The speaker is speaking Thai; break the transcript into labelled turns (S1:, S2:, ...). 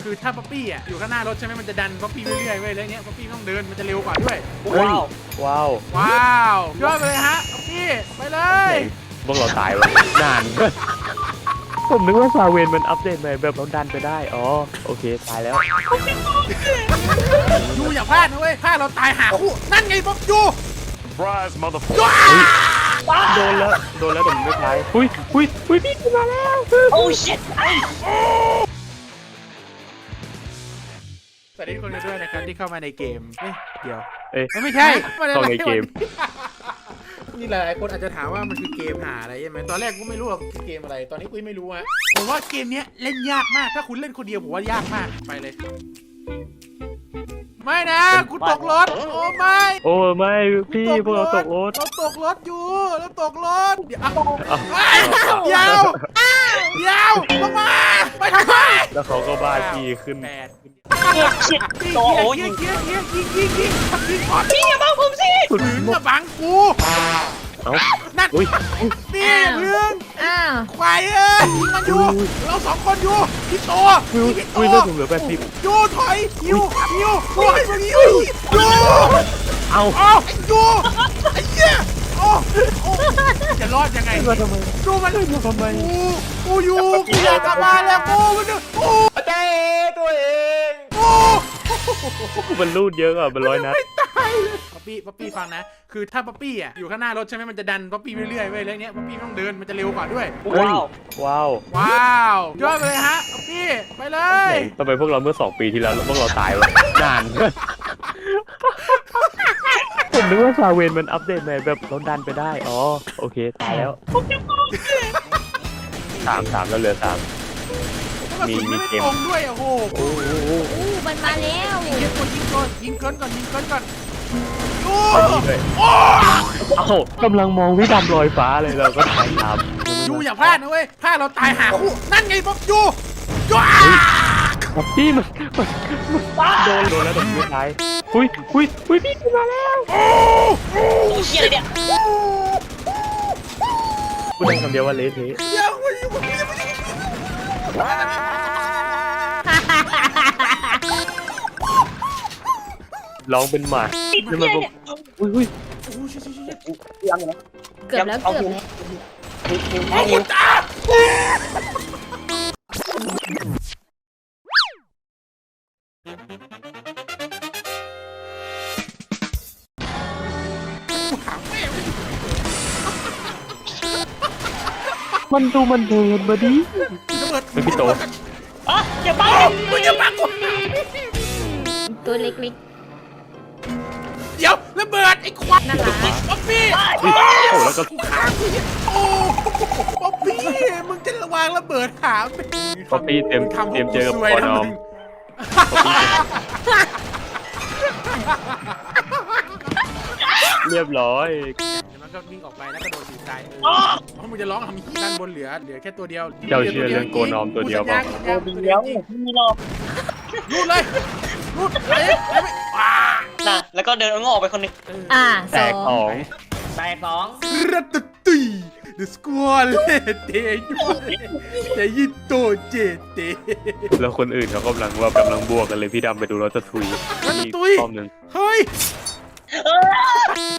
S1: คือถ้าป๊อปปี้อ่ะอยู่ข้างหน้ารถใช่ไหมมันจะดันป๊อปปี้เรื่อยๆเว้ยแล้วเนี้ยป๊อปปี้ต้องเดินมันจะเร็วกว่าด้วย
S2: ว้าวว้าว
S1: ว้าวยอดไปเลยฮะป๊อปปี้ไปเลย
S2: พวกเราตายวะนาน ผมนึกว่าซาเวนมันอัปเดตใหม่แบบเราดันไปได้อ๋อโอเคตายแล้ว
S1: ยูอย่าพลาดนะเว้ยพลาดเราตายหาคู่นั่นไงป๊อปยู
S3: Surprise, motherfucker.
S2: โดนแล้วแต่มันไม่ตายอุ้ยพี่มาแล้ว
S4: โอ้ชิต
S1: สวัสดีทุกคนกันด้วยนะครับที่เข้ามาในเกมเดี๋ยว
S2: เอ้ย
S1: ไม่ใช่
S2: เข้าในเกม
S1: นี่หลายๆคนอาจจะถามว่ามันคือเกมหาอะไรใช่ไหมตอนแรกกูไม่รู้หรอกคือเกมอะไรตอนนี้กูไม่รู้ฮะผมว่าเกมเนี้ยเล่นยากมากถ้าคุณเล่นคนเดียวผมว่ายากมากไปเลย ไม่นะกูตกรถโอ้ไม่
S2: โอ้ไม่พี่พวกเราตกรถ
S1: เราตกรถอยู่เราตกรถเดี๋ยว
S2: เอ้า
S1: เดี๋ยวลงมาไปทำไม
S2: แล้วเขาก็บ้าจีขึ้น
S1: แปด
S4: ชิต
S1: ยิง
S4: โอ้โห
S1: ยิ
S4: ยิ
S1: ง
S4: ง
S1: ยิงยิงยิงยิงยิงยิงก่อน
S4: พี่อย่าบังผมสิ
S1: ถึงกับบังกู
S2: เอ้า
S1: นั่น
S2: อุ้ย
S1: นี่พึ่ง
S5: อ้าว
S1: ควายเอ้ยยิงมันอยู่เราสองคนอยู่พี่โตพี่โต
S2: อุ้ยเลือดผมเหลือ80
S1: อยู่ถอยยิวโอ้ยยิวอยู่
S2: เอา
S1: โอ้ยูไอ้เหี้ยโอ้จะรอดยังไง
S2: มาทำไม
S1: ดูมัน
S2: มาทำไม
S1: กูอยู่กูอยากกลับบ้านแล้วกูมันกู
S2: เจ้ตัวเอง
S1: กู
S2: มันรูดเยอะอ่ะมันร้อยนัด
S1: ไม่ตายเลยป๊อปปี้ฟังนะคือถ้าป๊อปปี้อ่ะอยู่ข้างหน้ารถใช่ไหมมันจะดันป๊อปปี้เรื่อยๆเว้ยแล้วเนี้ยป๊อปปี้ต้องเดินมันจะเร็วกว่าด้วย
S4: ว้าว
S2: ว้าว
S1: ว้าวยอดไปเลยฮะป๊อปปี้ไปเลย
S2: ทำไมพวกเราเมื่อ2 ปีที่แล้วพวกเราตายวะนาน ผมนึกว่าซาเวนมันอัปเดตใหม่แบบเราดันไปได้อ๋อโอเคตายแล้วสามแล้วเหลือ3
S1: มีไม่ตรงด้วยโอ้โห
S2: โอ้โห
S5: อู้มันมาแล้ว
S1: ยิงเกินก่อนยู
S2: อันนี้ด้วยเอ้ากำลังมองพี่ดำลอยฟ้าเลยเราก็ถ่ายตาม
S1: ยูอย่าพลาดนะเว้ยพลาดเราตายหาคู่นั่นไงป๊อปยู
S2: พี่มันโดนแล้วแต่ไม่ตายอุ้ยพี่มาแล้ว
S4: โอ้เชี่ยอะไรเนี่ย
S2: พูดได้คำเดียวว่าเละเทะ
S1: ยังไม่
S2: ร้องเป็นหมา
S4: ติด
S2: นี่
S4: เชี่
S2: มัน
S4: ยเนี่ย
S2: อุ้ย
S5: เกือบแล้วเกือบแล้ว
S1: โอ้คุณตา
S2: มันดูมันเดินมาดิ
S1: ระเบิด
S2: เป็นพี่โต
S4: อ๋ออย่าบัง
S1: มึงอย่าบังกู
S5: ตัวเล็ก
S1: เดี๋ยวระเบิดไอ้ควาย
S5: ๆน่ารัก
S1: ป๊อปปี้
S2: โอ้แล้วก็
S1: กูฆ่ากูโอ้ป๊อปปี้มึงจะระวังระเบิดหา
S2: ป๊อปปี้เตรียมเจอกับปอนอมเรียบร้อย
S1: มันก็วิ่งออกไปแล้วก็โดนถีบตายเพราะมึงจะร้องทำฮีด้านบนเหลือแค่ตัวเดียว
S2: เจ้าเชื่อเรื่องโกนอมตัวเดียวเปล่า
S4: โอ้ดีแล้วมีรอบ
S1: รูดเลยรูดไปว้า
S4: น่ะแล้วก็เดินงออกไปคนหนึง
S5: อ่า
S2: แตกสอง
S4: แตกสอง
S1: รัตตุย The Squall เตยแต่ยิโตเจเต
S2: แล้วคนอื่นเขากำลังบวกกันเลยพี่ดำไปดูรถจะทุย
S1: รัต
S2: อีก
S1: ตุย
S2: รอบหนึ่ง
S1: เฮ้ย